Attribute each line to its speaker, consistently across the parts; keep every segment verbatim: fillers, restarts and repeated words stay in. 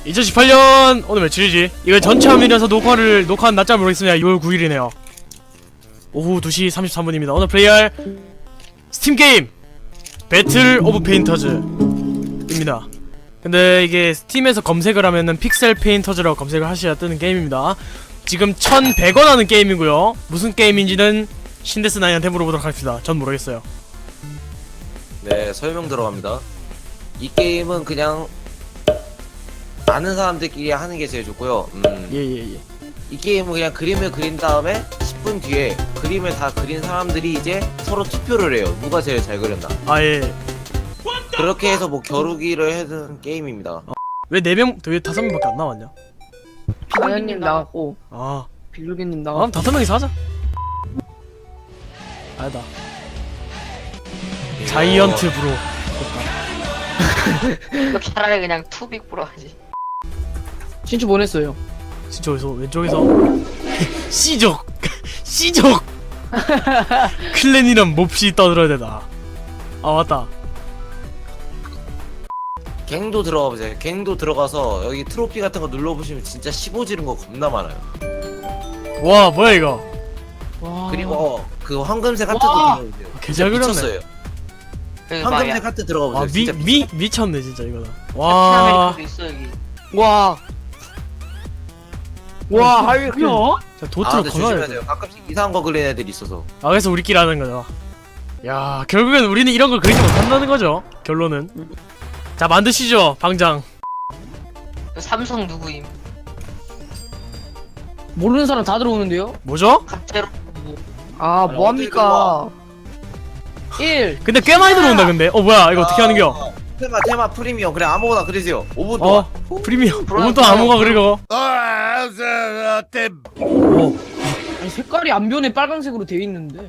Speaker 1: 이천십팔 년 오늘 며칠이지? 이거 전체 화면이라서 녹화를 녹화한 낮잠을 모르겠습니다. 유월 구일이네요 오후 두 시 삼십삼 분입니다 오늘 플레이할 스팀 게임 배틀 오브 페인터즈입니다. 근데 이게 스팀에서 검색을 하면은 픽셀 페인터즈라고 검색을 하셔야 뜨는 게임입니다. 지금 천백 원 하는 게임이고요. 무슨 게임인지는 신데스나인한테 물어보도록 하겠습니다. 전 모르겠어요.
Speaker 2: 네, 설명 들어갑니다. 이 게임은 그냥 아는 사람들끼리 하는 게 제일 좋고요. 음,
Speaker 1: 예예예. 예.
Speaker 2: 이 게임은 그냥 그림을 그린 다음에 십 분 뒤에 그림을 다 그린 사람들이 이제 서로 투표를 해요. 누가 제일 잘 그렸나.
Speaker 1: 아 예.
Speaker 2: 그렇게 해서 뭐 겨루기를 해는 게임입니다.
Speaker 1: 어. 왜 네 명, 왜 다섯 명밖에 안 나왔냐?
Speaker 3: 다현님 나갔고
Speaker 1: 아,
Speaker 3: 비둘기님
Speaker 1: 아
Speaker 3: 나갔고.
Speaker 1: 그럼 다섯 명이서 하자. 아니다. 자이언트 브로.
Speaker 4: 이거 차라리 그냥 투빅 프로 하지.
Speaker 3: 신추 보냈어요.
Speaker 1: 진짜 어디서 왼쪽에서 씨족 씨족 클랜이란 몹시 떠들어야 되나. 아 맞다.
Speaker 2: 갱도 들어가 보세요. 갱도 들어가서 여기 트로피 같은 거 눌러보시면 진짜 십오 지른 거 겁나 많아요.
Speaker 1: 와 뭐야 이거.
Speaker 3: 와.
Speaker 2: 그리고 그 황금색 하트도
Speaker 3: 와.
Speaker 2: 들어가보세요.
Speaker 1: 개잘 그렸네.
Speaker 2: 미쳤어요.
Speaker 4: 여기 봐, 야.
Speaker 2: 황금색 하트 들어가 보세요.
Speaker 1: 와 미
Speaker 2: 진짜
Speaker 1: 미 미쳤네 진짜 이거다. 와.
Speaker 4: 라틴 아메리카도 있어 여기.
Speaker 3: 와. 와 하이크.
Speaker 1: 자
Speaker 2: 아
Speaker 1: 도트로
Speaker 2: 근데
Speaker 1: 걸어야
Speaker 2: 조심해야
Speaker 1: 돼.
Speaker 2: 돼요. 가끔씩 이상한 거 그리는 애들이 있어서.
Speaker 1: 아 그래서 우리끼리 하는 거죠. 야 결국엔 우리는 이런 걸 그리지 못한다는 거죠. 결론은. 자 만드시죠 방장.
Speaker 4: 삼성 누구임?
Speaker 3: 모르는 사람 다 들어오는데요?
Speaker 1: 뭐죠?
Speaker 4: 갑자로
Speaker 3: 아
Speaker 2: 아니,
Speaker 3: 뭐합니까? 일.
Speaker 1: 근데 꽤 많이 들어온다 근데. 어 뭐야 이거 어떻게 하는겨?
Speaker 2: 아, 테마 테마 프리미엄 그래 아무거나 그리세요. 오 분
Speaker 1: 어
Speaker 2: 동안.
Speaker 1: 프리미엄. 오 분 동안 아무거나 그리고. 오.
Speaker 3: 아니 색깔이 안 변해 빨간색으로 돼 있는데.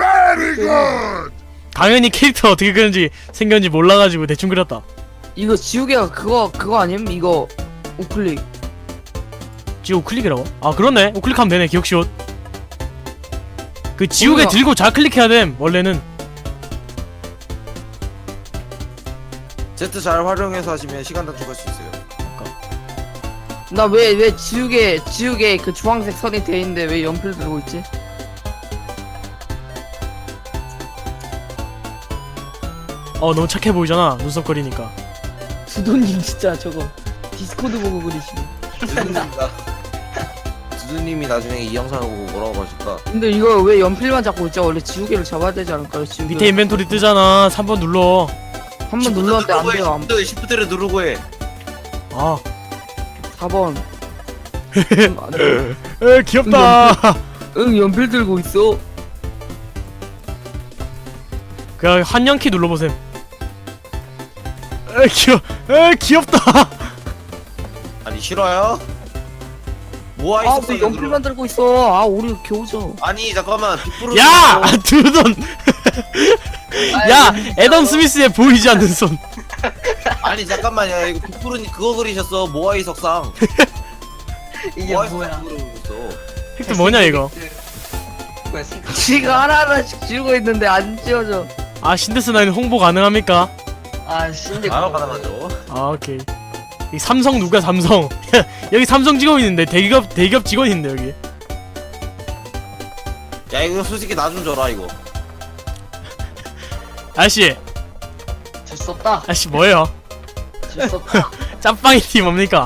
Speaker 1: 당연히 캐릭터 어떻게 그런지 생겼는지 몰라가지고 대충 그렸다.
Speaker 3: 이거 지우개가 그거 그거 아님? 이거 우클릭.
Speaker 1: 지우 우클릭이라고? 아 그렇네. 우클릭하면 되네. 기억시옷. 그 지우개
Speaker 3: 뭐야?
Speaker 1: 들고 좌클릭해야 됨 원래는.
Speaker 2: Z 잘 활용해서 하시면 시간 단축할 수 있어요.
Speaker 3: 나 왜 왜 지우개 지우개 그 주황색 선이 돼 있는데 왜 연필 들고 있지?
Speaker 1: 어 너무 착해 보이잖아 눈썹 그리니까.
Speaker 3: 두도님 진짜 저거 디스코드 보고 그리시네.
Speaker 2: 두두님가 두두님이 나중에 이 영상을 보고 뭐라고 하실까?
Speaker 3: 근데 이거 왜 연필만 잡고 있죠? 원래 지우개를 잡아야 되지 않을까요? 지우개.
Speaker 1: 밑에 인벤토리 뜨잖아. 삼 번 눌러.
Speaker 3: 한번 눌렀는데 안 돼요. 안
Speaker 2: 시프트 시프트를 누르고 해.
Speaker 1: 아.
Speaker 3: 사 번. 안 돼.
Speaker 1: 에 귀엽다.
Speaker 3: 응 연필 들고 있어.
Speaker 1: 그냥 한영키 눌러보셈. 에 귀여. 에 귀엽다.
Speaker 2: 아니 싫어요? 모아
Speaker 3: 아
Speaker 2: 있었어.
Speaker 3: 왜 연필만 들고 있어? 아 우리 겨우죠.
Speaker 2: 아니 잠깐만 빅브루.
Speaker 1: 야 두돈. 야 애덤 스미스의 보이지 않는 손.
Speaker 2: 아니 잠깐만요. 이거 빅브루님 그거 그리셨어. 모아이 석상.
Speaker 4: 이게
Speaker 2: 모아이
Speaker 4: 뭐야?
Speaker 2: 석상 그리셨어.
Speaker 1: 획득 뭐냐 이거.
Speaker 4: 뭐야 생각.
Speaker 3: 지금 하나하나씩 지우고 있는데 안 지워져.
Speaker 1: 아 신데스나인 홍보 가능합니까?
Speaker 4: 아 신데.
Speaker 2: 바로 가능하죠.
Speaker 1: 아 오케이. 이 삼성 누가 삼성? 여기 삼성 직원 있는데 대기업 대기업 직원 있는데 여기.
Speaker 2: 야 이거 솔직히 나 좀 줘라 이거.
Speaker 1: 아저씨
Speaker 4: 줄수 없다.
Speaker 1: 아저씨 뭐예요?
Speaker 4: 줄수 없다.
Speaker 1: 짬빵이티 뭡니까?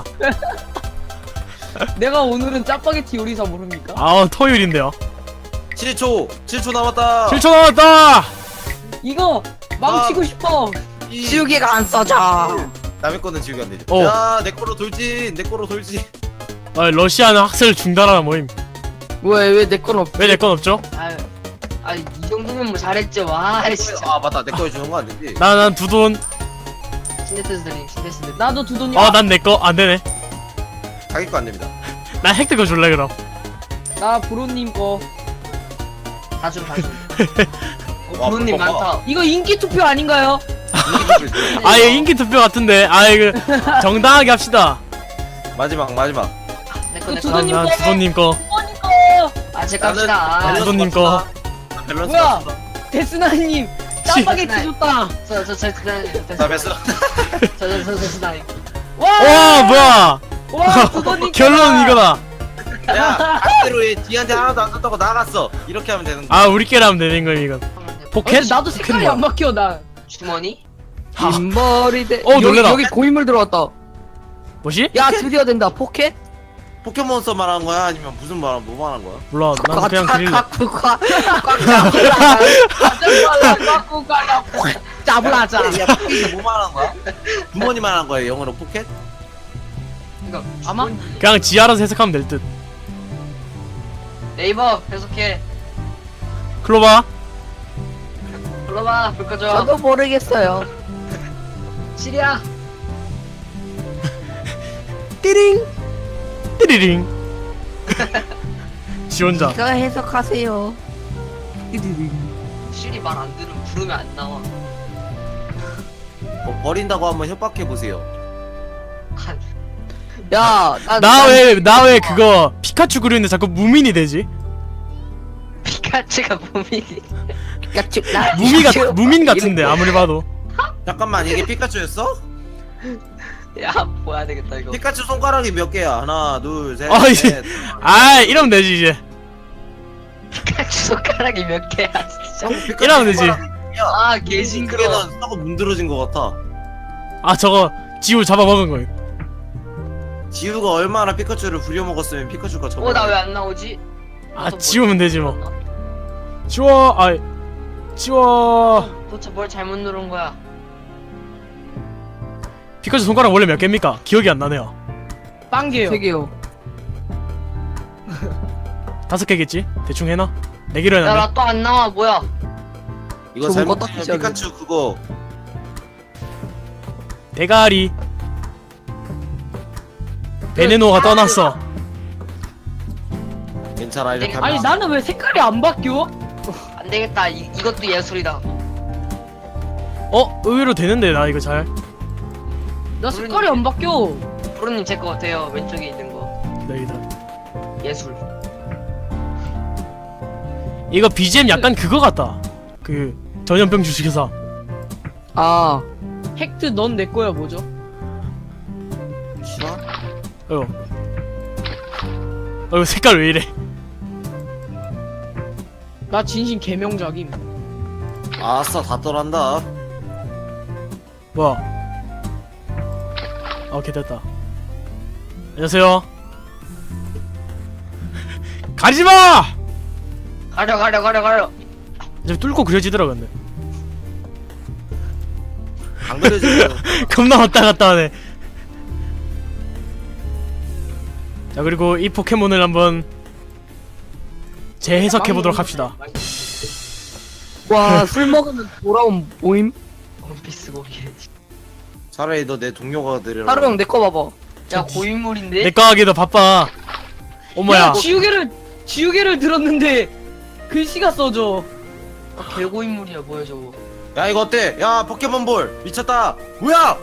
Speaker 3: 내가 오늘은 짜파게티 요리사 모릅니까?
Speaker 1: 아 토요일인데요.
Speaker 2: 칠 초. 칠 초 남았다.
Speaker 1: 칠 초 남았다.
Speaker 3: 이거 망치고
Speaker 2: 아.
Speaker 3: 싶어.
Speaker 2: 이-
Speaker 3: 지우개가 안 써져.
Speaker 2: 남의 거는 지우개 안 되죠.
Speaker 1: 어.
Speaker 2: 야, 내 거로 돌진. 내 거로 돌진.
Speaker 1: 아, 러시아는 학살 중단하라 모임.
Speaker 3: 왜 왜 내 건 없?
Speaker 1: 왜 내 건 없죠?
Speaker 4: 아유, 아이 정도면 뭐 잘했죠. 와 진짜.
Speaker 2: 아, 맞다. 내 거에 주는 거 안 되지.
Speaker 1: 나 난 두 돈.
Speaker 4: 신데스들이 신데스들.
Speaker 3: 나도 두 돈이.
Speaker 1: 아, 난 내 거 안 되네.
Speaker 2: 자기 거 안 됩니다.
Speaker 1: 나 획득 거 줄래 그럼.
Speaker 3: 나 브로님 거.
Speaker 4: 다줌 다줌.
Speaker 2: 와,
Speaker 4: 부모님
Speaker 2: 봐봐.
Speaker 4: 많다.
Speaker 3: 이거 인기 투표 아닌가요?
Speaker 1: 아, 이거 인기 투표 같은데. 아, 이거 정당하게 합시다.
Speaker 2: 마지막, 마지막.
Speaker 4: 내거
Speaker 3: 그
Speaker 4: 내거.
Speaker 3: 두돈님
Speaker 1: 난
Speaker 3: 거.
Speaker 1: 두돈님 거.
Speaker 3: 두돈님 거.
Speaker 4: 아제 갑시다.
Speaker 2: 밸런스
Speaker 1: 두돈님 거.
Speaker 2: 맞추다. 밸런스
Speaker 3: 뭐야?
Speaker 2: 맞추다.
Speaker 3: 데스나님 짜파게티 줬다.
Speaker 4: 저저저
Speaker 2: 자, 됐어.
Speaker 4: 저저저저 나이.
Speaker 1: 와 뭐야
Speaker 3: 와 두더님
Speaker 1: 결론은 이거다.
Speaker 2: 야 반대로 얘 뒤한테 하나도 안 떴다고 나갔어. 이렇게 하면 되는 거야.
Speaker 1: 아 우리끼리 하면 되는 거야 이건. 포켓?
Speaker 5: 근데 나도 색깔이 안 막혀 나.
Speaker 4: 주머니?
Speaker 1: 하.
Speaker 3: 빈머리 대
Speaker 1: 어,
Speaker 3: 여기,
Speaker 1: 놀래라.
Speaker 3: 여기 고인물 들어왔다.
Speaker 1: 뭐지?
Speaker 3: 야 드디어 된다. 포켓?
Speaker 2: 포켓몬스터 말하는 거야? 아니면 무슨 말, 뭐 말한 거야?
Speaker 1: 몰라 난 그냥 그릴래.
Speaker 3: 꽉꽉꽉 짜불라자.
Speaker 2: 야 포켓이 뭐 말한 거야? 부모님 말한 거야 영어로 포켓?
Speaker 4: 이거
Speaker 5: 아마?
Speaker 1: 그냥 지 알아서 해석하면 될 듯.
Speaker 4: 네이버 계속해.
Speaker 1: 클로바
Speaker 4: 불러봐 불 꺼줘.
Speaker 3: 저도 모르겠어요.
Speaker 4: 시리야.
Speaker 1: 띠링 띠리링 지 혼자.
Speaker 3: 제가 해석하세요.
Speaker 4: 시리 말 안 들으면 부르면 안 나와.
Speaker 2: 뭐 버린다고 한번 협박해 보세요.
Speaker 4: 한
Speaker 3: 야,
Speaker 1: 나 왜 나 왜 그거 피카츄 그리는데 자꾸 무민이 되지?
Speaker 4: 피카츄가 몸이.
Speaker 3: 피카츄 나
Speaker 1: 무미 같 무민 같은데 아무리 봐도.
Speaker 2: 잠깐만 이게 피카츄였어?
Speaker 4: 야 뭐야 되겠다 이거.
Speaker 2: 피카츄 손가락이 몇 개야? 하나, 둘, 셋,
Speaker 1: 아, 이제-
Speaker 2: 넷.
Speaker 1: 아 이러면 되지 이제.
Speaker 4: 피카츄 손가락이 몇 개야 진짜.
Speaker 2: 피카츄
Speaker 1: 이러면 되지.
Speaker 2: 손가락이 몇 개야?
Speaker 4: 아 개징그러.
Speaker 2: 그게는 하고 문드러진 것 같아.
Speaker 1: 아 저거 지우 잡아먹은 거예요.
Speaker 2: 지우가 얼마나 피카츄를 부려먹었으면 피카츄가 저거.
Speaker 4: 어나 왜 안 나오지?
Speaker 1: 아
Speaker 4: 나도
Speaker 1: 지우면 되지 뭐.
Speaker 4: 뭘
Speaker 1: 지워 아 지워.
Speaker 4: 도대체 뭘 잘못 누른 거야?
Speaker 1: 피카츄 손가락 원래 몇 개입니까? 기억이 안 나네요.
Speaker 5: 빵개요.
Speaker 3: 세 개요.
Speaker 1: 다섯 개겠지? 대충 해놔. 내기로
Speaker 4: 야
Speaker 1: 해놨네.
Speaker 4: 나 또 안 나와 뭐야?
Speaker 2: 이거
Speaker 3: 저거
Speaker 2: 잘못
Speaker 3: 껐다
Speaker 2: 누르면
Speaker 3: 켜야지.
Speaker 2: 피카츄 그거
Speaker 1: 대가리. 베네노가 떠났어.
Speaker 2: 괜찮아 이렇게 하면.
Speaker 5: 아니 나는 왜 색깔이 안 바뀌어?
Speaker 4: 안 되겠다. 이, 이것도 예술이다.
Speaker 1: 어? 의외로 되는데 나 이거 잘.
Speaker 5: 나 색깔이 안 바뀌어.
Speaker 4: 프로님 제 거 어때요? 왼쪽에 있는 거
Speaker 1: 내기다.
Speaker 4: 예술.
Speaker 1: 이거 비지엠 약간 그거 같다. 그 전염병 주식회사.
Speaker 3: 아,
Speaker 5: 헥트 넌 내 거야 뭐죠?
Speaker 2: 싫어?
Speaker 1: 어. 어 이거 색깔 왜 이래?
Speaker 5: 나 진심 개명작임.
Speaker 2: 아싸 다 떠난다.
Speaker 1: 뭐야? 아, 오케이 됐다. 안녕하세요. 가리지마!
Speaker 4: 가려 가려 가려 가려.
Speaker 1: 이제 뚫고 그려지더라 근데.
Speaker 2: 안 그래지고.
Speaker 1: 겁나 왔다 갔다 하네. 자 그리고 이 포켓몬을 한번 재해석해보도록 합시다.
Speaker 3: 와, 술 먹으면 돌아온 모임?
Speaker 4: 원피스 고기.
Speaker 2: 차라리 너 내 동료가 되려라.
Speaker 3: 하루 형 내 거 봐봐.
Speaker 4: 야 고인물인데?
Speaker 1: 내거 하기도 바빠. 어머야.
Speaker 5: 야 지우개를 지우개를 들었는데 글씨가 써져.
Speaker 4: 아, 개고인물이야 뭐야 저거.
Speaker 2: 야 이거 어때? 야 포켓몬볼 미쳤다. 뭐야?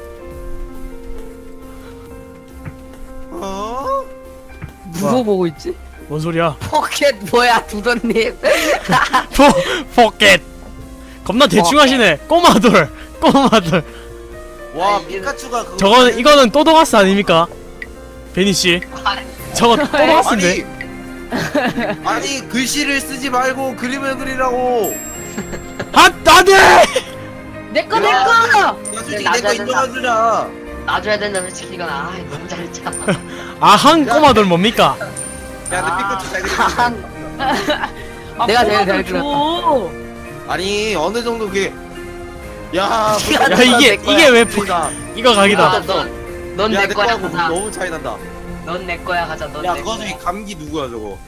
Speaker 2: 어?
Speaker 3: 누구 보고 있지?
Speaker 1: 뭔 소리야?
Speaker 3: 포켓 뭐야, 두더님?
Speaker 1: 포 포켓. 겁나 대충 하시네. 꼬마돌. 꼬마돌.
Speaker 2: 와
Speaker 4: 아니,
Speaker 2: 피카츄가 그거.
Speaker 1: 저거는 이거는 또도가스 아닙니까? 베니 씨.
Speaker 4: 아니,
Speaker 1: 저거 또도가스인데.
Speaker 2: 아니 아니 글씨를 쓰지 말고 그림을 그리라고.
Speaker 1: 아 안돼.
Speaker 5: 내거
Speaker 2: 야.
Speaker 5: 내거.
Speaker 2: 야 솔직히
Speaker 4: 야,
Speaker 2: 내거
Speaker 4: 나, 나,
Speaker 2: 인정해주자.
Speaker 4: 놔줘야 된다 솔직히 이건 아 너무 잘했잖아.
Speaker 1: 아한 꼬마돌 뭡니까?
Speaker 2: 야 근데
Speaker 4: 아.
Speaker 2: 피카츄 잘 그리네.
Speaker 5: 아,
Speaker 3: 내가 제일
Speaker 5: 꼬마들
Speaker 3: 잘
Speaker 5: 줘.
Speaker 2: 아니 어느 정도 그게. 야
Speaker 1: 야 이게 이게 왜 포...
Speaker 2: 야
Speaker 1: 이거 각이다.
Speaker 4: 넌넌내
Speaker 2: 내
Speaker 4: 거야
Speaker 2: 거하고
Speaker 4: 가자.
Speaker 2: 너무 차이 난다.
Speaker 4: 넌 내 거야 가자. 넌
Speaker 2: 야
Speaker 4: 내
Speaker 2: 그거
Speaker 4: 거야.
Speaker 2: 중에 감기 누구야 저거?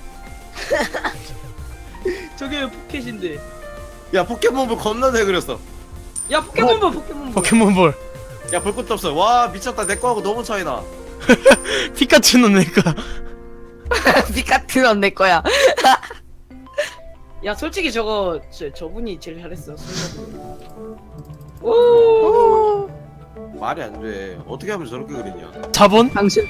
Speaker 5: 저게 왜 포켓인데?
Speaker 2: 야 포켓몬볼 겁나 잘 그렸어.
Speaker 5: 야 포켓몬볼 포켓몬볼.
Speaker 1: 포켓몬볼.
Speaker 2: 야 볼 것도 없어. 와 미쳤다. 내 거하고 너무 차이 나.
Speaker 1: 피카츄는 내가.
Speaker 3: 피카츄는 내 거야.
Speaker 5: 야 솔직히 저거 저, 저분이 제일 잘했어. 오.
Speaker 2: 말이 안 돼. 어떻게 하면 저렇게 그리냐?
Speaker 1: 자본?
Speaker 3: 당신.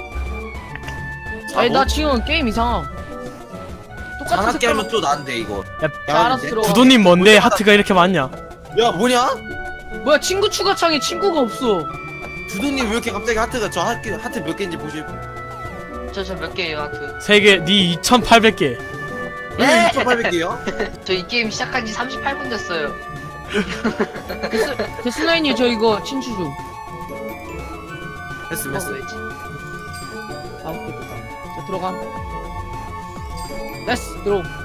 Speaker 5: 아니
Speaker 2: 뭐?
Speaker 5: 나 지금 게임 이상. 똑같은
Speaker 2: 장난기
Speaker 5: 색깔.
Speaker 2: 하면 또 난데 이거.
Speaker 1: 야,
Speaker 2: 야,
Speaker 5: 알아서
Speaker 2: 근데-
Speaker 5: 들어가.
Speaker 1: 부도님 뭔데 하트가 이렇게 많냐?
Speaker 2: 야 뭐냐?
Speaker 5: 뭐야 친구 추가 창에 친구가 없어.
Speaker 2: 주도님 왜 이렇게 갑자기 하트가 저 하트, 하트 몇 개인지 보실 분?
Speaker 4: 저 저 몇 개예요 하트?
Speaker 1: 세 개, 니 이천팔백 개.
Speaker 2: 왜 이천팔백 개요?
Speaker 4: 저 이 게임 시작한 지 삼십팔 분 됐어요.
Speaker 5: 데스나인이 저 이거 친추 좀.
Speaker 2: 했음 했음.
Speaker 4: 먹어야지.
Speaker 5: 아 오케이 됐다. 자 들어가. 레스 들어.